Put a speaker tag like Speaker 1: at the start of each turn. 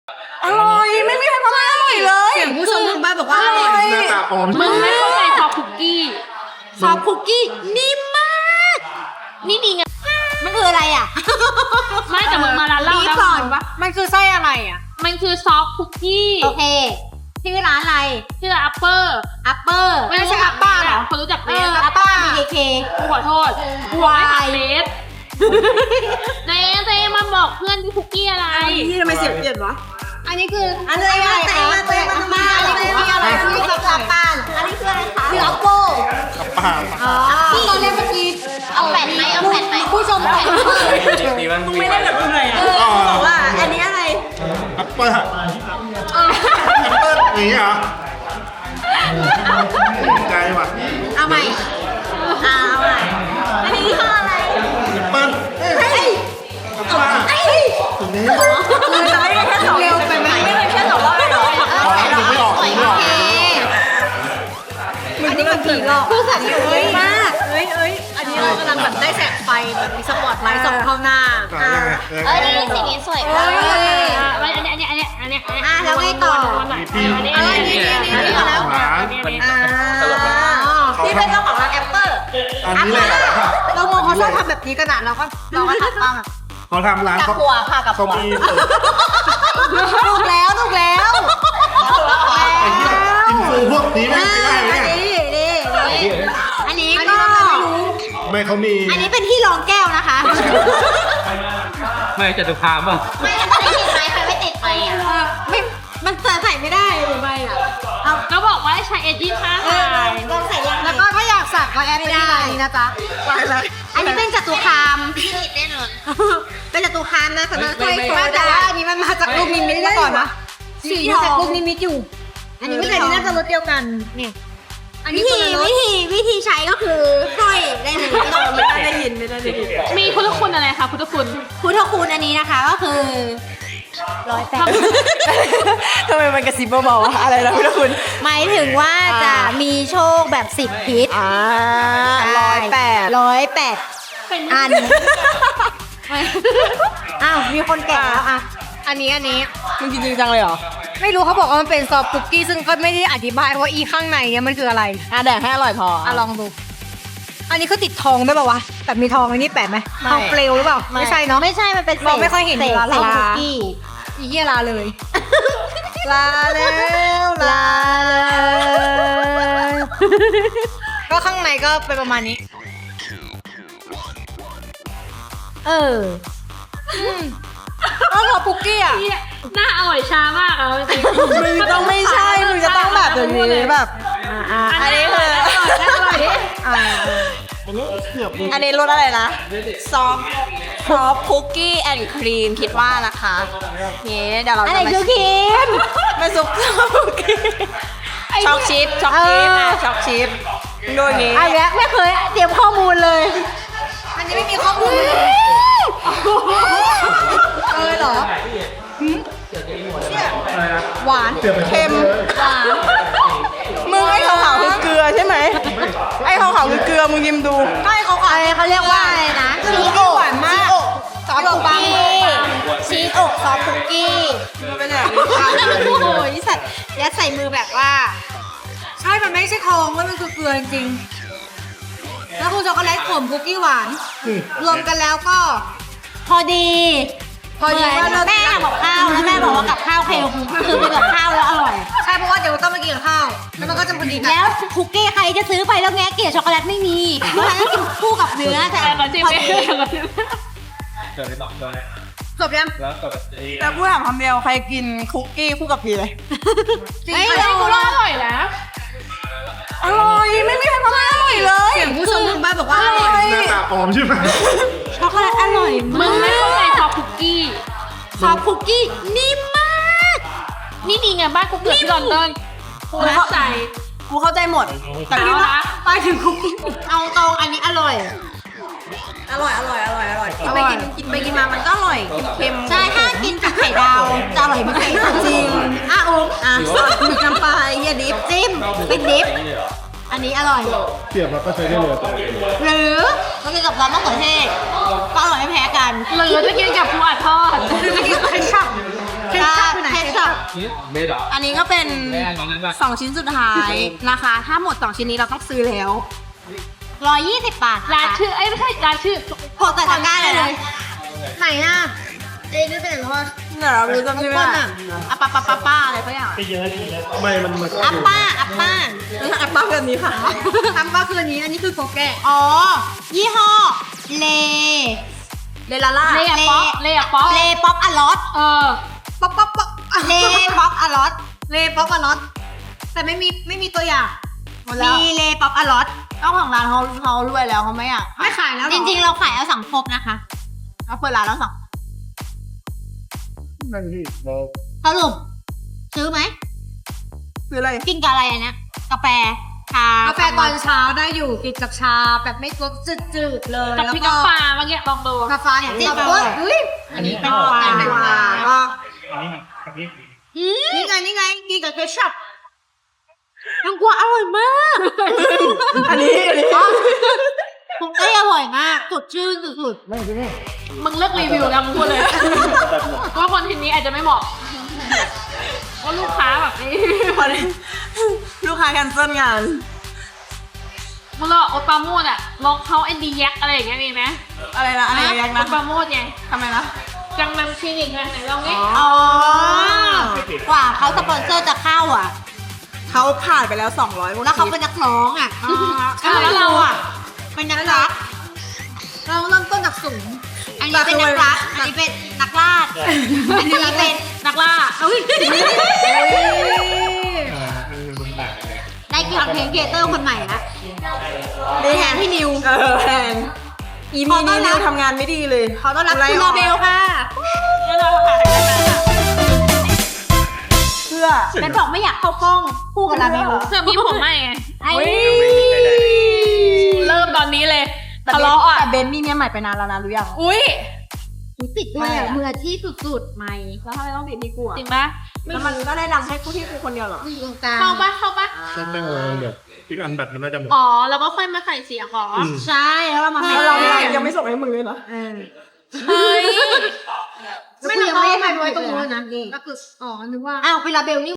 Speaker 1: อร่อยไม่มีใครมาไม่อร่อยเลยผู้ชมทางบ้านบอกว่าอร่อย
Speaker 2: หน้าตาปลอม
Speaker 3: มึงไม่เข้าใจซอฟคุกกี้
Speaker 1: ซอฟคุกกี้นิ่มมาก
Speaker 3: นี่ดีไง
Speaker 1: มันคืออะไรอ่ะ
Speaker 3: ไม่แต่มึงมาร้านเหล้าแล้วก่อนวะ
Speaker 1: มันคือไส้อะไรอ่ะ
Speaker 3: มันคือซอฟคุกกี้
Speaker 1: โอเคชื่อร้านอะไร
Speaker 3: ชื่ออัปเปอร์
Speaker 1: ไม่ใช่อัปป้าหรอ
Speaker 3: คนรู้จักเบส
Speaker 1: อัปป้า BKK
Speaker 3: กูขอโทษวายเบสเจ๊มาบอกเพื่อนที่คุกกี้อะไร
Speaker 1: ที่ทำไมเสียงเปลี่ยนวะ
Speaker 3: อันนี้คือ
Speaker 1: อันนี้อะไรคะตัวอัปป้าอันนี้คืออะไรคืออัปป้าอันนี้คืออะไรคะคืออัปโป้
Speaker 2: อัปป้า
Speaker 1: ที่ตอนแรกเมื่อกี้
Speaker 3: เอาแผ่นไหม
Speaker 1: ผู้ชมแผ่น
Speaker 2: ไม่ได้แบบไหน
Speaker 1: บอกว่าอันนี้อะไร
Speaker 2: อัปป้าอย่างนี้เหรอใจว่ะ
Speaker 1: เอาใหม่อันนี้คืออะไร
Speaker 2: เปิ้ลอัปป้าถึงนี้
Speaker 1: คือจะไม่ได้แค่2เร็วไปไหมไม่ได้แค่2รอบเลยหรอ
Speaker 2: ไม่ออก
Speaker 1: อันนี้มันผีหลอกคือสัตว์เยอะมากอันนี้เรากำลังแบบได้แสงไฟแบบมีสปอตไลท์ส่องเข้าหน้า
Speaker 3: นี่สิ่งนี้สวยมากอันนี้
Speaker 1: แล้วไงต่อที่เป็นเจ้าของร้านแอปเปิ้ล
Speaker 2: อันนี้แหละ
Speaker 1: เรามองเขาชอบทำแบบนี้ขนาดเราก็ทำบ้าง
Speaker 2: เขาทำร้าน
Speaker 1: กับหัวค่ะกับหัวถูกแล้ว
Speaker 2: อินฟูพวกนี้ไม่ได้เนี่ย
Speaker 1: อันนี้ก็
Speaker 2: ไม่เขามี
Speaker 1: อันนี้เป็นที่รองแก้วนะคะ
Speaker 4: ไม่จะดูพามป่ะ
Speaker 3: ไม่ติดไฟไม่ติดไฟอ่ะ
Speaker 1: ไม่มันใส่ไม่ได้หรือไม่อ่ะ
Speaker 3: ก็บอกว่าใช้เอจี้ค่าถ่าย
Speaker 1: ลองใส่ยังแล้วก็ถ้าอยากสักก็แอดไปที่ร้านนี้นะจ๊ะอันนี้เป็นจตุคาม
Speaker 3: แน่นอน
Speaker 1: เป็นจตุคามนะสำนักถ้วยโซดาอันนี้มันมาจากลูกนิมิตมาก่อนนะสีจากลูกนิมิตอยู่อันนี้ไม่ใช่น่าจะรสเดียวกันเนี่ยวิธีใช้ก็คือค่อยได้เลยไม่ได้ยิน
Speaker 3: มีพุทธคุณอะไรคะพุทธคุณ
Speaker 1: อันนี้นะคะก็คือ
Speaker 5: ทำไมมันกระซิบเบาๆอะไรนะพุทธคุณ
Speaker 1: หมายถึงว่าจะมีโชคแบบ10ทิศ108อันอ้าวมีคนแก่แล้วอ่ะอันนี้
Speaker 5: มึงจริงจังเลยเหรอ
Speaker 1: ไม่รู้เขาบอกว่ามันเป็นซอฟต์คุกกี้ซึ่งก็ไม่ได้อธิบายว่าอีข้างในเนี่ยมันคืออะไร
Speaker 5: แดกให้อร่อยพอ
Speaker 1: ลองดูอันนี้เขาติดทองได้ป่าววะแบบมีทองอันนี้แปะไหมทองเปลวหรือเปล่าไม่ใช่เนาะ
Speaker 3: ไม่ใช่มันเป็น
Speaker 1: เราไม่ค่อยเห็น
Speaker 3: ลา
Speaker 1: คุกกี้อีเหี้ยลาเลยลาแล้วก็ข้างในก็เป็นประมาณนี้ก็ซอฟต์คุกกี้อ่ะ
Speaker 3: หน้าอร่อยช้ามากอ่ะจริง
Speaker 5: มึงต้องไม่ใช่มึงจะต้องแบบอย่างนี้แบบ
Speaker 3: อันนี้คืออร่อยดิ
Speaker 5: อันนี้รสอะไรนะซอฟคุกกี้แอนด์ครีมคิดว่านะคะนี่เดี๋ยวเราจะมาซุปคุกกี้ช็อกชิปช็อกชิปดูอย่างงี้
Speaker 1: อันนี้ไม่เคยเตรียมข้อมูลเลยอันนี้ไม่มีข้อมูลเหรอหวาน
Speaker 5: เค็มมึงไอ้ขาวๆคือเกลือใช่ไหมไอ้ขาวๆคือเกลือมึงยิ้มดู
Speaker 1: ไอ้เขาเรียกว่าอะไรนะชีโอะหวานมากซอฟต์คุกกี้ชีโอะซอฟต์คุกกี้
Speaker 5: เป็นแบบนี้
Speaker 1: โอ้ยสัตว์ยัดใส่มือแบบว่าใช่มันไม่ใช่ทองว่ามันคือเกลือจริงแล้วคุณช็อกโกแลตขมคุกกี้หวานรวมกันแล้วก็พอดีว่าแม่ทำกับข้าวแล้วแม่บอกว่ากับข้าวคือเป็นกับข้าวแล้วอร่อยใช่เพราะว่าเดี๋ยวต้องมากินกับข้าวแล้วมันก็จะพอดีแล้วคุกกี้ใครจะซื้อไปแล้วแงะเกล็ดช็อกโกแลตไม่มีเพราะฉะนั้นกินคู่กับเนื้อแต่พอดีจบยัง
Speaker 5: แต่พูดถามคำเดียวใครกินคุกกี้คู่กับพีเลย
Speaker 3: ไอ้เราก็อร่อยนะ
Speaker 1: อร่อยไม่มีใครมาไม่อร่อยเลยผู้ชมทางบ้านบอกว่าอร่อย
Speaker 2: หน้าตาปลอมใช่ไหม
Speaker 1: ช็อกโกแลตอร่อย
Speaker 3: มึงไม่เข้าใจซอฟคุกกี้
Speaker 1: นิ่มมาก
Speaker 3: นี่ดีไงบ้านกูเกิดที่ลอนดอนกูเข้าใจ
Speaker 5: หมด
Speaker 3: แต่
Speaker 1: ไปถึงคุกกี้เอาตรงอันนี้อร่อยไปกินมามันก็อร่อยเค็มใช่ถ้ากินกับไข่ดาวจะอร่อยมากจริงหมึกน้ำปลาอย่าดิฟจิ้มเป็นดิฟอันนี้อร่อย
Speaker 2: เสียบแล้วก็ใช้ได้เลย
Speaker 1: หรือมากินกับร้านมะเขือเทศก็อร่อยไม่แพ้กัน
Speaker 3: หรือจะกินกับปูอัดทอด
Speaker 1: จะกินกับเคชัพ
Speaker 2: เบสเหรอ
Speaker 5: อันนี้ก็เป็น
Speaker 2: แม่ของนั้นป่ะ
Speaker 5: 2 ชิ้นสุดท้ายนะคะ ถ้าหมด 2 ชิ้นนี้เราต้องซื้อแล้ว
Speaker 1: 120 บาท
Speaker 3: ร้านชื่อเอ้ยไม่ใช่ร้านชื่อ
Speaker 1: โผล่แต่ตะกร้าเลยนะไหนอ่ะเจ๊นึกไปไหนแล้ววะ
Speaker 5: เดี๋ยวเราดูจำชื่อไม่ได้อะป้าอะไรสักอย่าง
Speaker 2: ไม่มัน
Speaker 1: อัปป้า
Speaker 5: อะป้าแบบนี้ค่ะ
Speaker 1: อัปป้าคืออันนี้คือโกแก่อ๋อ ยี่ห้อ เล
Speaker 5: เลลาล่า
Speaker 3: เลอะป๊อกเลอะป๊อก
Speaker 1: เลป๊อปอะลอต
Speaker 3: เออ
Speaker 1: ป๊อปเลป๊อปอะลอตเลป๊อปอะลอตแต่ไม่มีตัวอย่าง
Speaker 5: หมดแล้ว
Speaker 1: มีเลป๊อปอะลอต
Speaker 5: เจ้าของร้านเขารวยแล้วเขาไม่อยาก
Speaker 1: ไม่ขายแล้วจริงๆเราขายเอาสังคมนะคะ
Speaker 5: เขาเปิดร้านแล้วสั่ง
Speaker 2: นั่นที่เรา
Speaker 1: สรุปซื้อไหม
Speaker 5: ซื้ออะไร
Speaker 1: กินกับอะไรอันเนี้ยกาแฟชากาแฟตอนเช้าได้อยู่กินกับชาแบบไม่รสจืดๆเลย
Speaker 3: กับ
Speaker 1: แล้ว
Speaker 3: พริก
Speaker 1: ก็
Speaker 3: น้ำปลาเมื่อกี้ลองดู
Speaker 1: กาแฟเนี่ยจิ้มแบบว่าอุ้ย
Speaker 2: อันนี้
Speaker 1: เป็น
Speaker 2: ก็
Speaker 1: ปลา
Speaker 5: แตงกวาก็
Speaker 2: อันนี้อันนี้
Speaker 1: นี่ไงกินกับเคชัพแตงกวาอร่อยมาก
Speaker 5: อันนี้
Speaker 1: ผมได้อร่อยมากสดชื่นสุด
Speaker 2: ไม่ใช่ไหม
Speaker 3: มึงเลิกรีวิวแล้วมึงพูดเลยว่าคนทีนี้อาจจะไม่เหมาะว่าลูกค้าแบบนี้
Speaker 5: พอดีลูกค้าแคนเซิลงาน
Speaker 3: มึงรอโอตปาโมดอะลองเขาเอ็นดีแยกอะไรอย่างเงี้ยมีไหม
Speaker 5: อะไรนะอะไรยัง
Speaker 3: โอ
Speaker 5: นะ
Speaker 3: ตปาโมดไง
Speaker 5: ทำไมนะ
Speaker 3: จังนำคลินิกไงไหนลองนี่
Speaker 1: อ๋อกว่าเขาสปอนเซอร์จะเข้าอ่ะ
Speaker 5: เขาผ่านไปแล้ว 200
Speaker 1: แล้วเขาเป็นนักร้องอ่ะแล้วเราอ่ะเป็นนักรักเราเริ่มต้นจากศูนย์อันนี้เป็นนักรักอันนี้เป็นนักลาดอันนี้เป็น
Speaker 3: นักล่า
Speaker 1: อุ้ย
Speaker 2: มันต่างกันเลย
Speaker 1: ได้คอนเทนต์ครีเอเตอร์คนใหม่ละ
Speaker 5: ดีแทนพี่นิวแทนอี
Speaker 1: ข
Speaker 5: มี
Speaker 1: อต้
Speaker 5: นิ
Speaker 1: อนรับ
Speaker 5: วทำงานไม่ดีเลย
Speaker 1: ขอต้อนรับคุณโรเบลค่ะ
Speaker 5: เพื่อ
Speaker 1: เป็นบอกไม่อยากเข้ากล้องคู่กับลาเบล
Speaker 3: เสื้อพี่ผมไม่ไง
Speaker 1: ไอ้
Speaker 3: เริ่มตอนนี้เลย
Speaker 5: แต่
Speaker 3: ทะเลาะอ่ะ
Speaker 5: เบนมีเมียใหม่ไปนานแล้วนะรู้ยัง
Speaker 3: อุ้ย
Speaker 1: ติดด้วยอ่ะมืออาชีพสุดๆใหม่
Speaker 5: แล้วทำไมต้องติดที่กูอ่ะ
Speaker 3: จริงปะ
Speaker 5: แล้วมันก็ได้นำให้กูที่กูคนเดียวเหรอ
Speaker 1: อยู่ตรงกลาง
Speaker 3: เข้าปะเข้าปะ
Speaker 2: ไม่เดี๋ยวอีกอันแบตมันน่าจะหมด
Speaker 3: อ๋อแล้วก็ค่อยมาใส่เสียงเหรอ
Speaker 1: ใช่แล้วเรามาให้
Speaker 5: แล้วเรายังไม่ส่งให้มึงเลยเหรอ
Speaker 3: เฮ้ย
Speaker 1: ไม่เราไม่ให้ใครไว้ตรงนู้นนะก็คืออ๋อนึกว่าอ้าวเป็นลาเบลนี่